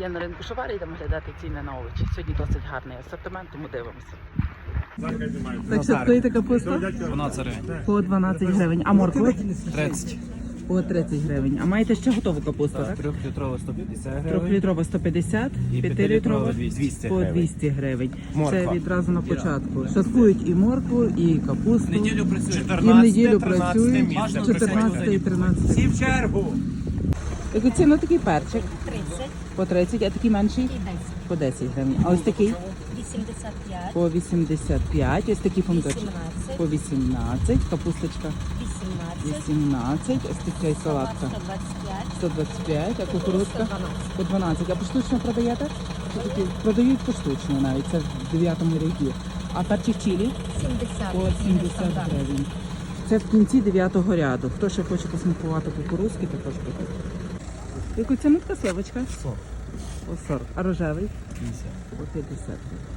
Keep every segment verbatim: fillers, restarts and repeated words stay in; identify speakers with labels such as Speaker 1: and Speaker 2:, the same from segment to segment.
Speaker 1: Я на ринку Шоварі, йдемо глядати ціни на овочі. Сьогодні досить гарний асортимент, тому дивимося. Так що стоїть капуста?
Speaker 2: дванадцять гривень.
Speaker 1: По дванадцять гривень. А морква?
Speaker 2: тридцять.
Speaker 1: По тридцять гривень. А маєте ще готову капусту, так?
Speaker 2: трьохлітрова сто п'ятдесят гривень.
Speaker 1: Трьохлітрова сто п'ятдесят,
Speaker 2: І
Speaker 1: п'ятилітрова
Speaker 2: двісті
Speaker 1: по
Speaker 2: гривень.
Speaker 1: двісті гривень.
Speaker 2: Морква.
Speaker 1: Це відразу на початку. Шаткують і моркву, і капусту.
Speaker 2: Неділю працює.
Speaker 1: І в неділю працюють чотирнадцяте і тринадцяте.
Speaker 2: Всі в чергу.
Speaker 1: Яку ціну такий перчик?
Speaker 3: тридцять
Speaker 1: По тридцять, а такий менший?
Speaker 3: і десять.
Speaker 1: По десять гривень. А ось такий?
Speaker 3: вісімдесят п'ять,
Speaker 1: По вісімдесят п'ять. Ось такий помідорчик?
Speaker 3: вісімнадцять,
Speaker 1: По вісімнадцять. Капусточка?
Speaker 3: вісімнадцять,
Speaker 1: вісімнадцять. Ось така салатка?
Speaker 3: сто двадцять п'ять,
Speaker 1: сто двадцять п'ять. А кукурудзка?
Speaker 3: сто дванадцять.
Speaker 1: По дванадцять. А поштучно продаєте? Що такі? Продають поштучно навіть. Це в дев'ятому ряді. А перчик чилі?
Speaker 3: сімдесят,
Speaker 1: По сімдесят гривень. Це в кінці дев'ятого ряду. Хто ще хоче посмакувати кукурудзки, також буде. Яку ціну така сливочка?
Speaker 2: сорок.
Speaker 1: По сорок. А рожевий?
Speaker 2: п'ятдесят.
Speaker 1: По п'ятдесят.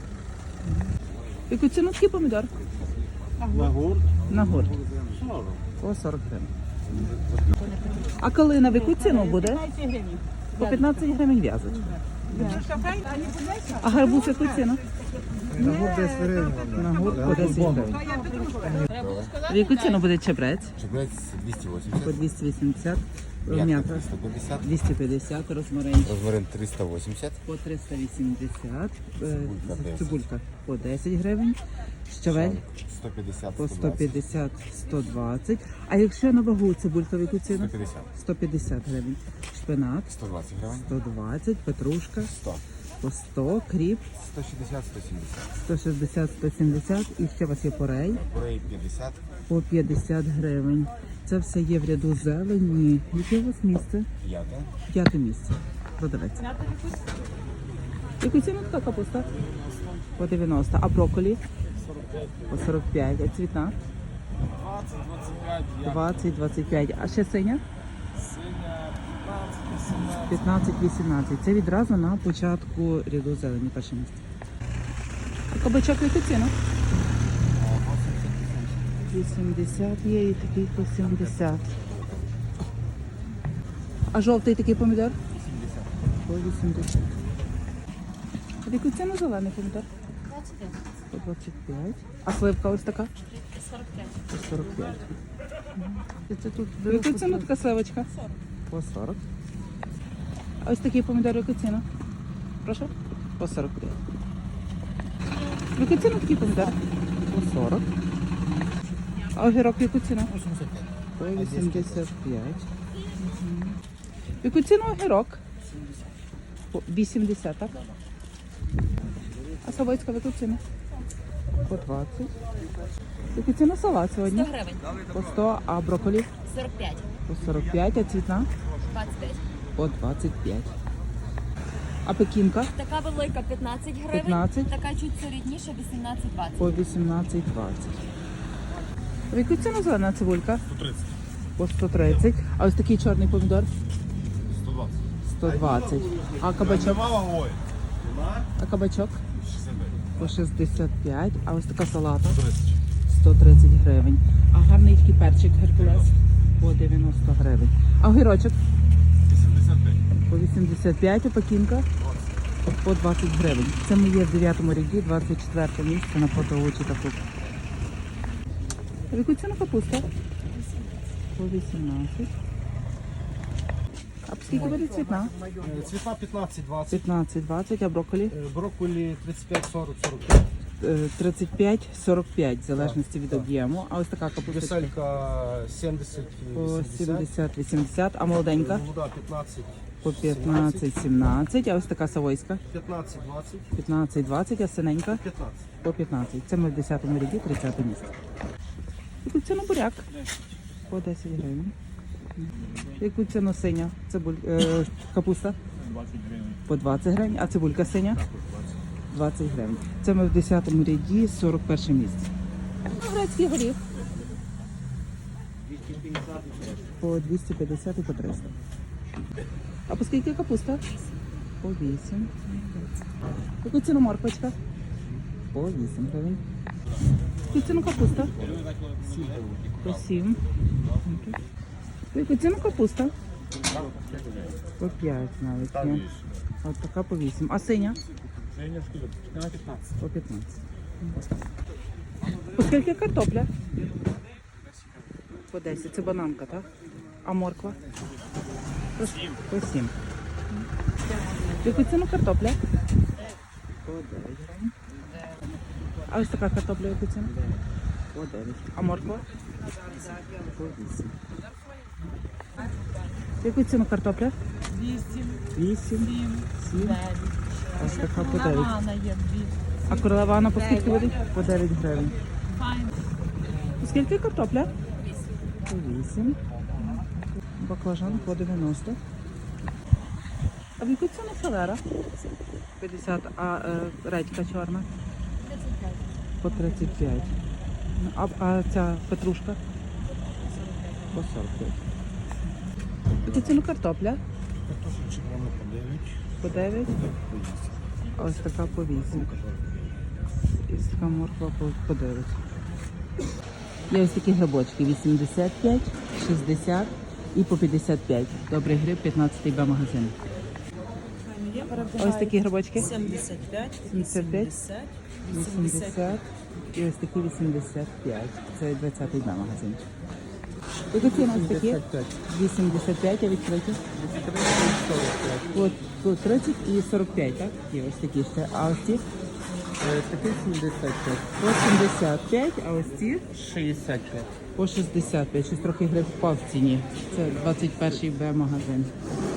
Speaker 1: Яку ціну такий помідор?
Speaker 2: На гурт.
Speaker 1: На гурт.
Speaker 2: сорок.
Speaker 1: По сорок гривень. А калина в яку ціну буде? По п'ятнадцять гривень в'язочка. А гарбуз в яку ціну?
Speaker 2: На гурт десять гривень.
Speaker 1: На гурт по десять гривень. В яку ціну буде чебрець?
Speaker 4: Чебрець двісті
Speaker 1: По
Speaker 4: вісімдесят,
Speaker 1: двісті вісімдесят.
Speaker 4: м'ятка
Speaker 1: М'ята
Speaker 4: триста п'ятдесят,
Speaker 1: двісті п'ятдесят, розмарин
Speaker 4: розмарин триста вісімдесят,
Speaker 1: по триста вісімдесят, е,
Speaker 4: Цибулька десять.
Speaker 1: цибулька по десять гривень, щавель
Speaker 4: сто п'ятдесят,
Speaker 1: по
Speaker 4: сто
Speaker 1: сто
Speaker 4: двадцять,
Speaker 1: п'ятдесят сто двадцять. А якщо на вагу цибулька в яку ціну?
Speaker 4: сто п'ятдесят,
Speaker 1: сто п'ятдесят гривень. Шпинат
Speaker 4: сто двадцять гривень,
Speaker 1: сто двадцять, петрушка
Speaker 4: сто,
Speaker 1: по сто, кріп
Speaker 4: сто шістдесят, сто сімдесят,
Speaker 1: сто шістдесят сто сімдесят і ще у вас є порей
Speaker 4: порей п'ятдесят,
Speaker 1: по п'ятдесят гривень. Це все є в ряду зелені. Яке у вас місце?
Speaker 4: п'ята,
Speaker 1: П'яте місце. Продавець. Яку ціну така капуста? По дев'яносто. А брокколі? По сорок п'ять. А цвітна? двадцять двадцять п'ять. А ще синя? п'ятнадцять вісімнадцять. Це відразу на початку ряду зелені, перше місце. А кабачок яку ціну? вісімдесят є і такий по сімдесят. А жовтий такий помідор? По вісімдесят. А в яку ціну зелений помідор?
Speaker 3: двадцять п'ять,
Speaker 1: По двадцять п'ять. А сливка ось така?
Speaker 3: сорок п'ять.
Speaker 1: По сорок п'ять. В яку ціну така сливочка? По сорок. А ось такий помідор в яку ціну? Прошу? По сорок п'ять. В яку ціну такий помідор? По сорок. А огірок в яку ціну? По вісімдесят п'ять. В яку ціну огірок? По вісімдесят, так? А савойська в яку ціну? По двадцять. В яку ціну салат сьогодні?
Speaker 3: сто гривень,
Speaker 1: По сто, а брокколі?
Speaker 3: сорок п'ять,
Speaker 1: По сорок п'ять, а цвітна?
Speaker 3: двадцять п'ять.
Speaker 1: По двадцять п'ять. А пекінка?
Speaker 3: Така велика п'ятнадцять гривень,
Speaker 1: п'ятнадцять.
Speaker 3: така чуть солідніша вісімнадцять двадцять.
Speaker 1: По вісімнадцять двадцять. В яку ціну зелена цибулька?
Speaker 4: сто тридцять,
Speaker 1: По сто тридцять. А ось такий чорний помідор?
Speaker 4: сто двадцять,
Speaker 1: сто двадцять. А кабачок? А кабачок? По шістдесят п'ять. А ось така салата? сто тридцять гривень. А гарний такий перчик Геркулес? По дев'яносто гривень. А огірочок?
Speaker 4: вісімдесят п'ять,
Speaker 1: По вісімдесят п'ять, а пекінка? По двадцять гривень. Це ми є в дев'ятому ряді, двадцять четверте місце на фото очі та фрукти. В яку ціну капуста? По вісімнадцять. А по скільки буде цвітна?
Speaker 2: Цвітна п'ятнадцять двадцять.
Speaker 1: п'ятнадцять двадцять, а брокколі?
Speaker 2: Брокколі тридцять п'ять сорок сорок п'ять.
Speaker 1: Е, тридцять п'ять сорок п'ять, в залежності від об'єму. А ось така капуста?
Speaker 2: Веселька сімдесят
Speaker 1: По
Speaker 2: вісімдесят.
Speaker 1: сімдесят вісімдесят, а молоденька?
Speaker 2: Молода п'ятнадцять.
Speaker 1: По п'ятнадцять сімнадцять, а ось така савойська?
Speaker 2: п'ятнадцять двадцять.
Speaker 1: п'ятнадцять двадцять, а синенька?
Speaker 2: п'ятнадцять.
Speaker 1: По п'ятнадцять. Це ми в десятому ряді, тридцяте місце. Яку ціну буряк? По десять гривень. Яку ціну синя? Цибуль... Е, капуста?
Speaker 2: двадцять гривень.
Speaker 1: По двадцять гривень. А цибулька синя? двадцять гривень. Це ми в десятому ряді, сорок перше місце. А грецький горіх? По двісті п'ятдесят і по триста. А по скільки капуста? По вісім. Яку ціну морквочка? По вісім гривень. Яку ціну капуста? По сім. Яку ціну капуста? По п'ять навіть
Speaker 4: Там
Speaker 1: є.
Speaker 4: більше.
Speaker 1: От така по вісім. А синя?
Speaker 2: Женя, скільки? п'ятнадцять.
Speaker 1: По п'ятнадцять. По скільки картопля? По десять. Це бананка, так? А морква? По сім. По сім. В яку ціну картопля? По дев'ять гривень. А ось така картопля в яку ціну? По дев'ять. А морква? По вісім. В яку ціну картопля?
Speaker 5: Вісім,
Speaker 1: Вісім.
Speaker 5: сім,
Speaker 1: Сім.
Speaker 5: дев'ять.
Speaker 1: Ось така по дев'ять.
Speaker 5: Романа є дві.
Speaker 1: А королевана по скільки буде? По дев'ять гривень.
Speaker 5: Файн.
Speaker 1: По скільки картопля? По вісім. Баклажан по дев'яносто. А в яку ціну селера? п'ятдесят. А е, редька чорна? По тридцять п'ять. А, а ця петрушка? По сорок п'ять. В яку ціну картопля?
Speaker 2: Картошка червона по дев'ять.
Speaker 1: По дев'ять. А ось така по вісім. І ось така морква по, по дев'ять. Є ось такі грибочки вісімдесят п'ять, шістдесят і по п'ятдесят п'ять. Добрий гриб, п'ятнадцятий Б магазин. Ось такі грибочки
Speaker 5: сімдесят п'ять,
Speaker 1: сімдесят п'ять,
Speaker 5: вісімдесят,
Speaker 1: вісімдесят і ось такі вісімдесят п'ять. Це двадцятий Б магазин. Яку ціну ось такі? вісімдесят п'ять, а відкриті? От тут тридцять і сорок п'ять, так? Є ось такі ще. А ось ці?
Speaker 2: Такий сімдесят п'ять.
Speaker 1: По сімдесят п'ять, а ось ці?
Speaker 2: шістдесят п'ять.
Speaker 1: По шістдесят п'ять. Щось трохи гриб впав в ціні. Це двадцять перший Б магазин.